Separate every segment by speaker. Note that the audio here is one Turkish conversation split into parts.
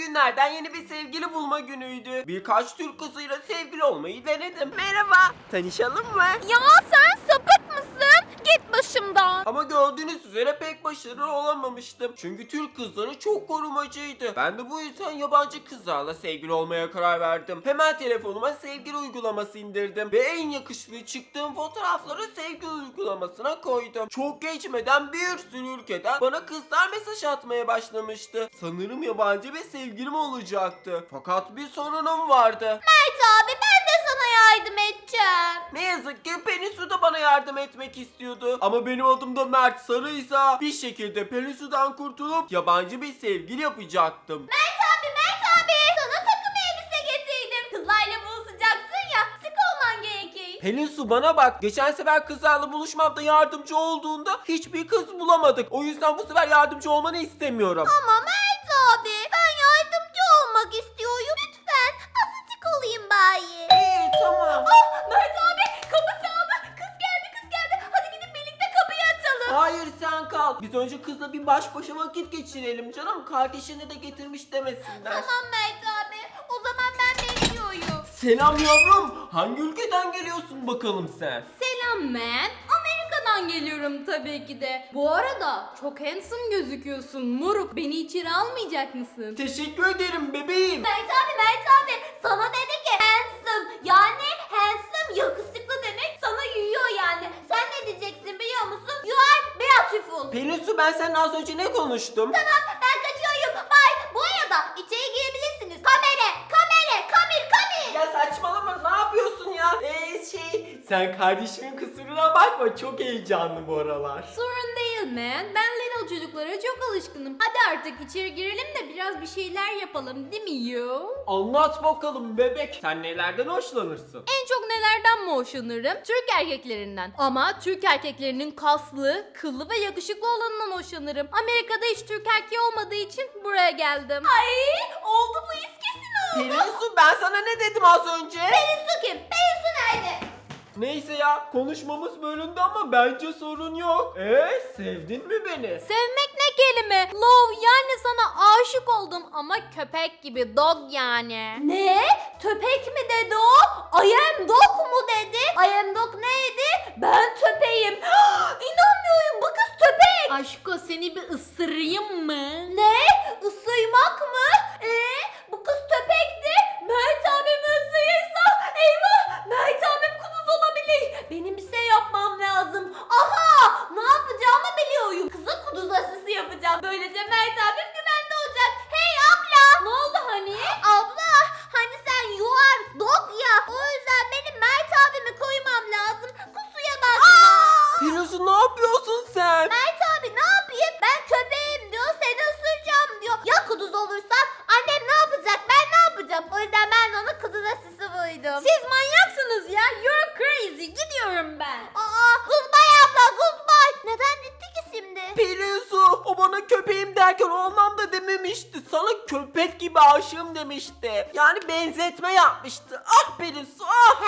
Speaker 1: günlerden yeni bir sevgili bulma günüydü. Birkaç Türk kızıyla sevgili olmayı denedim. Merhaba, tanışalım mı?
Speaker 2: Ya sen sapık mısın? Git başımdan.
Speaker 1: Ama gördüğünüz üzere pek başarılı olamamıştım. Çünkü Türk kızları çok korumacıydı. Ben de bu yüzden yabancı kızlarla sevgili olmaya karar verdim. Hemen telefonuma sevgili uygulaması indirdim. Ve en yakışıklı çıktığım fotoğrafları sevgili uygulamasına koydum. Çok geçmeden bir sürü ülkeden bana kızlar mesaj atmaya başlamıştı. Sanırım yabancı bir sevgilim olacaktı. Fakat bir sorunum vardı.
Speaker 2: Mert abi ben de sana yardım edeceğim.
Speaker 1: Ne yazık ki Pelinsu da bana yardım etmek istiyordu. Ama benim adım da Mert Sarıysa bir şekilde Pelinsu'dan kurtulup yabancı bir sevgili yapacaktım.
Speaker 2: Mert abi sana takım elbise getirdim. Kızlarla buluşacaksın ya, sık olman gerekir.
Speaker 1: Pelinsu bana bak, geçen sefer kızlarla buluşmamda yardımcı olduğunda hiçbir kız bulamadık. O yüzden bu sefer yardımcı olmanı istemiyorum.
Speaker 2: Ama Mert abi ben yardımcı olmak istiyorum. Lütfen azıcık olayım bari.
Speaker 1: İyi, tamam.
Speaker 2: Mert abi kapı çaldı. Kız geldi. Hadi gidip birlikte kapıyı açalım.
Speaker 1: Hayır, sen kal. Biz önce kızla bir baş başa vakit geçirelim canım. Kardeşini de getirmiş demesinler.
Speaker 2: Tamam Mert abi. O zaman ben bekliyorum.
Speaker 1: Selam yavrum. Hangi ülkeden geliyorsun bakalım sen?
Speaker 2: Selam man. Amerika'dan geliyorum tabii ki de. Bu arada çok handsome gözüküyorsun moruk. Beni içeri almayacak mısın?
Speaker 1: Teşekkür ederim bebeğim.
Speaker 2: Mert abi sana dedi ki handsome, yani handsome yakışıklı demek sana yiyor yani. Sen ne diyeceksin biliyor musun? You are beautiful.
Speaker 1: Pelinsu, ben seninle az önce ne konuştum?
Speaker 2: Tamam ben kaçıyorum. Bye. Bu arada içeri girebilirsiniz. Kamera.
Speaker 1: Ya saçmalama, ne yapıyorsun ya? Sen kardeşimin kusuruna bakma, çok heyecanlı bu aralar.
Speaker 2: Sorun değil man. Ben little çocuklara çok alışkınım. Hadi artık içeri girelim de biraz bir şeyler yapalım değil mi yo?
Speaker 1: Anlat bakalım bebek, sen nelerden hoşlanırsın?
Speaker 2: En çok nelerden mi hoşlanırım? Türk erkeklerinden. Ama Türk erkeklerinin kaslı, kıllı ve yakışıklı olanından hoşlanırım. Amerika'da hiç Türk erkeği olmadığı için buraya geldim. Ay oldu bu iş kesin oldu.
Speaker 1: Pelinsu, ben sana ne dedim az önce?
Speaker 2: Pelinsu kim? Pelinsu nerede?
Speaker 1: Neyse ya, konuşmamız bölündü ama bence sorun yok. Sevdin mi beni?
Speaker 2: Sevmek ne kelime? Love, yani sana aşık oldum ama köpek gibi, dog yani. Ne? Köpek mi dedi o? I am dog mu dedi? I am dog neydi? Ben köpeğim. İnanmıyorum, bu kız köpek. Aşko, seni bir ısırayım mı? Ne? Isırmak mı? Bu kız köpekti. Mert abim ısırırsa eyvah, Mert abim kuduz olabilir. Benim bir şey yapmam lazım. Aha, ne yapacağımı biliyorum. Kıza kuduz aşısı yapacağım. Böylece Mert abim güvende olacak. Hey abla. Ne oldu hani? Abla, hani sen you are dog ya. O yüzden benim Mert abimi koymam lazım. Kusuya bakma.
Speaker 1: Pelinsu, ne yapıyorsun sen?
Speaker 2: Mert abi ne yapayım? Ben köpeğim diyor, seni ısıracağım diyor. Ya kuduz olursa annem ne yapacak, ben ne yapacağım? O yüzden ben ona kuduz aşısı buydum. Siz manyaksınız ya. You're crazy. Gidiyorum ben. Goodbye abla, goodbye. Neden gitti ki şimdi?
Speaker 1: Pelinsu, o bana köpeğim derken o anlamda dememişti. Sana köpek gibi aşığım demişti. Yani benzetme yapmıştı. Ah Pelinsu, ah!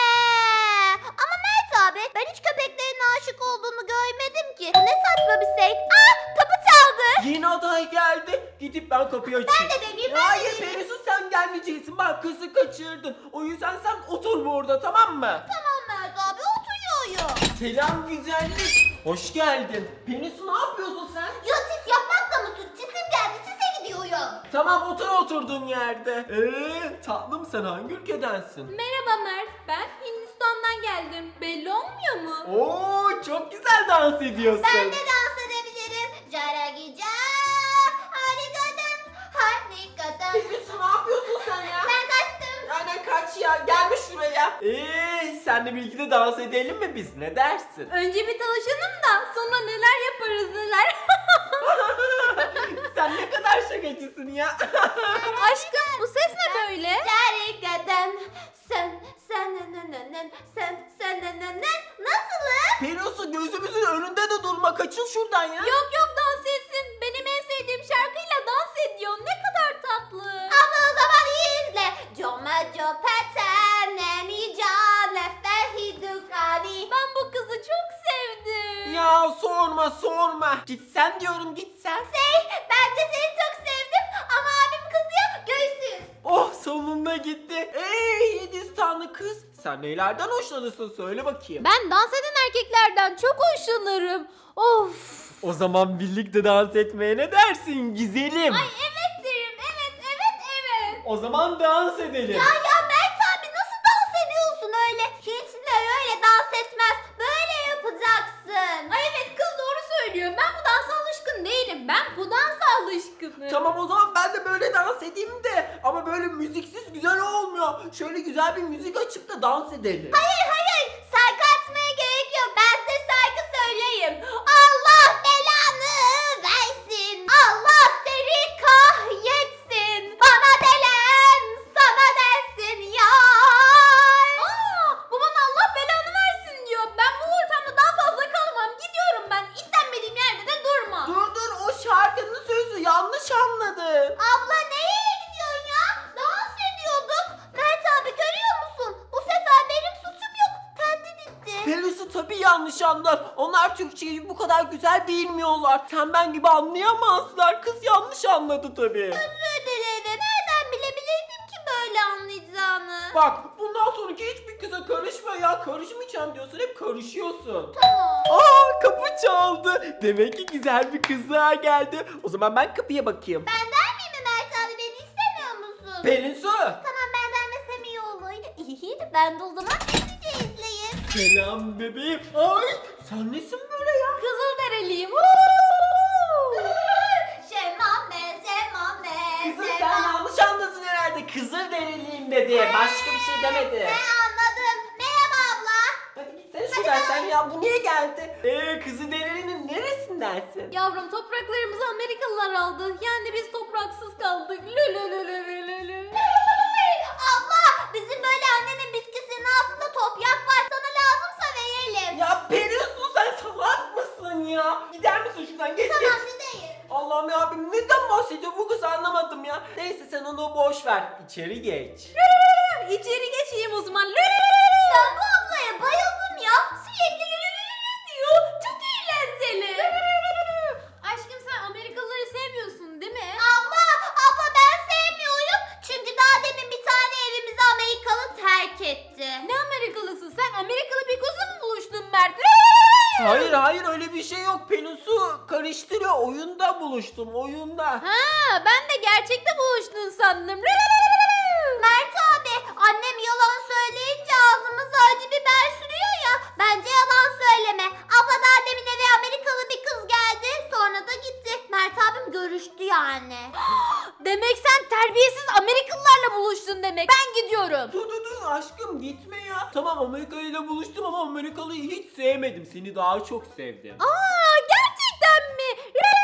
Speaker 2: Ama Mert abi ben hiç köpeklerin aşık olduğunu görmedim ki. Ne saçma bir şey. Kapı çaldı.
Speaker 1: Yeni aday geldi. Gidip ben kapıyı açayım.
Speaker 2: Ben de deneyeyim,
Speaker 1: Hayır Pelinsu, sen gelmeyeceksin. Bak, kızı kaçırdın. O yüzden sen otur burada, tamam mı?
Speaker 2: Tamam Mert abi, oturuyorum.
Speaker 1: Selam güzellik. Hoş geldin. Pelinsu, ne yapıyorsun sen?
Speaker 2: Ya sis yapmak da mı suç? Cisim geldi, sise gidiyorum.
Speaker 1: Tamam, otur oturduğun yerde. Tatlım, sen hangi ülkedensin?
Speaker 2: Merhaba Mert, ben Hindistan'dan geldim. Belli olmuyor mu?
Speaker 1: Oo, çok güzel dans ediyorsun.
Speaker 2: Ben de dans edebilirim. Caragica, harikadan.
Speaker 1: Pelinsu, ne yapıyorsun sen ya?
Speaker 2: Ben kaçtım.
Speaker 1: Aynen, kaç ya, gelme şuraya. Senle birlikte de dans edelim mi biz, ne dersin?
Speaker 2: Önce bir tanışalım da sonra neler yaparız neler.
Speaker 1: Sen ne kadar şakacısın ya.
Speaker 2: Aşkım, bu ses ne böyle? Harikadan. Nasılım?
Speaker 1: Pelinsu, gözümüzün önünde de durma, kaçın şuradan ya.
Speaker 2: Yok dans etsin. Benim en sevdiğim şarkıyla dans ediyor. Ne kadar tatlı. Abla o zaman iyi izle. Jomajo pateneni cane fehidukani. Ben bu kızı çok sevdim.
Speaker 1: Ya sorma. Gitsen diyorum, gitsen.
Speaker 2: Ben de seni çok sevdim ama abim kızıyor.
Speaker 1: gitti. Ey Hindistanlı kız, sen neylerden hoşlanırsın söyle bakayım.
Speaker 2: Ben dans eden erkeklerden çok hoşlanırım. Of.
Speaker 1: O zaman birlikte dans etmeye ne dersin güzelim?
Speaker 2: Ay evet derim. Evet.
Speaker 1: O zaman dans edelim.
Speaker 2: Ya Mert abi nasıl dans ediyorsun öyle? Hiçler öyle dans etmez. Böyle yapacaksın. Ay evet kız doğru söylüyor. Ben bu dansa alışkın değilim. Ben bu dansa alışkınım.
Speaker 1: Tamam o zaman ben de böyle dans edeyim de ama böyle müziksiz güzel olmuyor. Şöyle güzel bir müzik açıp da dans edelim.
Speaker 2: Hayır. Şarkı açmaya gerek yok. Ben size şarkı söyleyeyim. Allah belanı versin. Allah seni kahretsin. Bana delen sana dersin ya. Bu bana Allah belanı versin diyor. Ben bu ortamda daha fazla kalamam. Gidiyorum ben. İstenmediğim yerde de durma.
Speaker 1: Dur o şarkının sözü yanlış anladın.
Speaker 2: Abla nereye gidiyorsun ya? Dans ediyorduk. Mert abi görüyor musun? Bu sefer benim suçum yok. Kendi gitti.
Speaker 1: Pelusu tabii yanlış anlar. Onlar Türkçeyi bu kadar güzel bilmiyorlar. Sen ben gibi anlayamazlar. Kız yanlış anladı tabii.
Speaker 2: Özür dilerim. Nereden bilebilirdim ki böyle anlayacağını?
Speaker 1: Bak bundan sonraki hiçbir kıza karışma ya. Karışmayacağım diyorsun, hep karışıyorsun.
Speaker 2: Tamam.
Speaker 1: Aa, kapı çaldı. Demek ki güzel bir kız daha geldi. O zaman ben kapıya bakayım.
Speaker 2: Ben der miyim mi Mert abi? Beni istemiyor musun?
Speaker 1: Pelinsu.
Speaker 2: Tamam ben denmesem iyi olurdu. İyi ben de o zaman sizi izleyin.
Speaker 1: Selam bebeğim. Ay sen nesin böyle ya?
Speaker 2: Kızılderiliyim. Şemame.
Speaker 1: Kızım sen yanlış anladın herhalde. Kızılderiliyim dedi. Başka bir şey demedi.
Speaker 2: Anladım. Merhaba abla.
Speaker 1: Hadi sen şuradan sen ya bu niye geldi? Kızılderili'nin neresindensin?
Speaker 2: Yavrum topraklarımızı Amerikalılar aldı. Yani biz topraksız kaldık. Lülülülülülülü. Abla bizim böyle annemin bitkisinin altında toprak var. Sana lazımsa verelim.
Speaker 1: Ya Pelinsu sen salak mısın ya? Gider misin şuradan geç geç.
Speaker 2: Gideyim.
Speaker 1: Allah'ım ya abim neden bahsediyor bu kız anlamadım ya. Neyse sen onu boş ver. İçeri geç.
Speaker 2: İçeri geçeyim o zaman. Ben bu ablaya bayıldım ya. Sürekli diyor. Çok eğlenceli. Aşkım sen Amerikalıları sevmiyorsun değil mi? Abla ben sevmiyorum. Çünkü daha demin bir tane evimizi Amerikalı terk etti. Ne Amerikalısı? Sen Amerikalı bir kızla mı buluştun Mert?
Speaker 1: Hayır öyle bir şey yok. Pelinsu karıştırıyor. Oyunda buluştum oyunda.
Speaker 2: Ha, ben de gerçekte buluştun sandım. Mert abi, annem yalan söyleyince ağzımıza acı biber sürüyor ya. Bence yalan söyleme. Abla daha demin eve Amerikalı bir kız geldi. Sonra da gitti. Mert abim görüştü yani. Demek sen terbiyesiz Amerikalılarla buluştun demek. Ben gidiyorum.
Speaker 1: Dur aşkım gitme ya. Tamam Amerikalı ile buluştum ama Amerikalı'yı hiç sevmedim. Seni daha çok sevdim.
Speaker 2: Aa, gerçekten mi?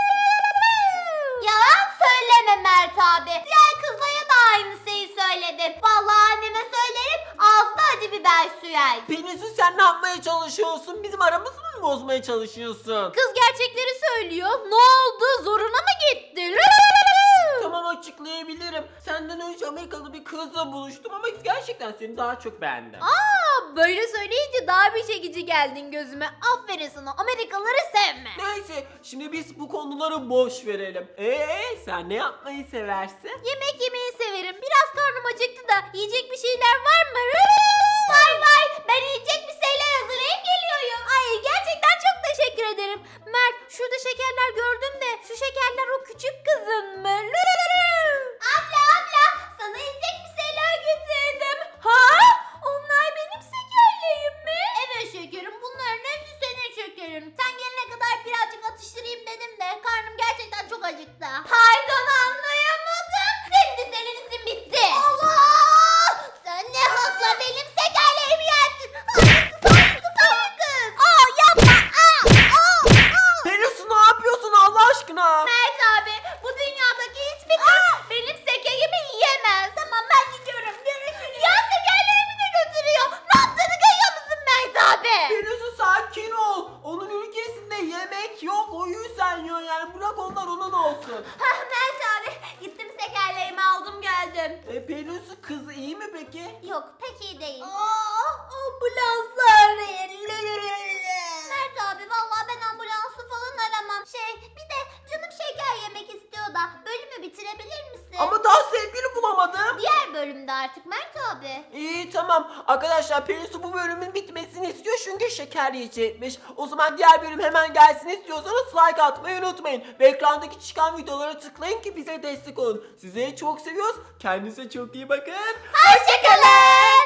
Speaker 2: Yalan söyleme Mert abi. Diğer kızlara da aynı şeyi söyledin. Vallahi anneme söylerim ağzına acı biber sürer.
Speaker 1: Pelinsu sen ne yapmaya çalışıyorsun? Bizim aramızı mı bozmaya çalışıyorsun?
Speaker 2: Kız gerçekleri söylüyor. Ne oldu? Zoruna mı gitti?
Speaker 1: Tamam açıklayabilirim. Senden önce Amerikalı bir kızla buluştum ama gerçekten seni daha çok beğendim.
Speaker 2: Aa, böyle söyleyince daha bir çekici geldin gözüme. Aferin sana. Amerikalıları sevme.
Speaker 1: Neyse şimdi biz bu konuları boş verelim. Sen ne yapmayı seversin?
Speaker 2: Yemek yemeyi severim. Biraz karnım acıktı da yiyecek bir şeyler var mı? Var. Ben yiyecek bir şeyler hazırlayıp geliyorum. Ay gerçekten çok teşekkür ederim. Mert şurada şekerler gördüm de şu şekerler o küçük kızın mı? Abla sana yiyecek bir şeyler getirdim. Ha? Onlar benim şekerlerim mi? Evet şekerim bunların hepsi senin şekerin. Sen gelene kadar birazcık atıştırayım dedim de karnım gerçekten çok acıktı. Pardon anlayamadım. Şimdi senin işin bitti. Allah! Sen ne hakla benim şekerlerimi yersin? Hayır kız. Aa yapma.
Speaker 1: Pelinsu ne yapıyorsun Allah aşkına?
Speaker 2: Mert abi bu dünyadaki hiçbir kız benim şekerimi yiyemez. Tamam ben gidiyorum. Görüşürüz. Ya şekerlerimi de götürüyor. Ne yaptığını görüyor musun Mert abi?
Speaker 1: Pelinsu sakin ol. Onun ülkesinde yemek yok. O yüzden yiyor yani. Bırak onlar onun olsun.
Speaker 2: Mert abi gittim şekerlerimi aldım geldim.
Speaker 1: Pelinsu kız iyi mi peki?
Speaker 2: Yok pek iyi değil. Ambulans arayın. Mert abi vallahi ben ambulansı falan aramam. Bir de canım şeker yemek istiyor da bölümü bitirebilir misin?
Speaker 1: Ama daha sevgili bulamadım.
Speaker 2: Diğer
Speaker 3: bölümde artık Mert abi.
Speaker 1: İyi tamam. Arkadaşlar Pelinsu bu bölümün bitmesini istiyor çünkü şeker yiyecekmiş. O zaman diğer bölüm hemen gelsin istiyorsanız like atmayı unutmayın. Ve ekrandaki çıkan videolara tıklayın ki bize destek olun. Sizleri çok seviyoruz. Kendinize çok iyi bakın.
Speaker 3: Hoşçakalın.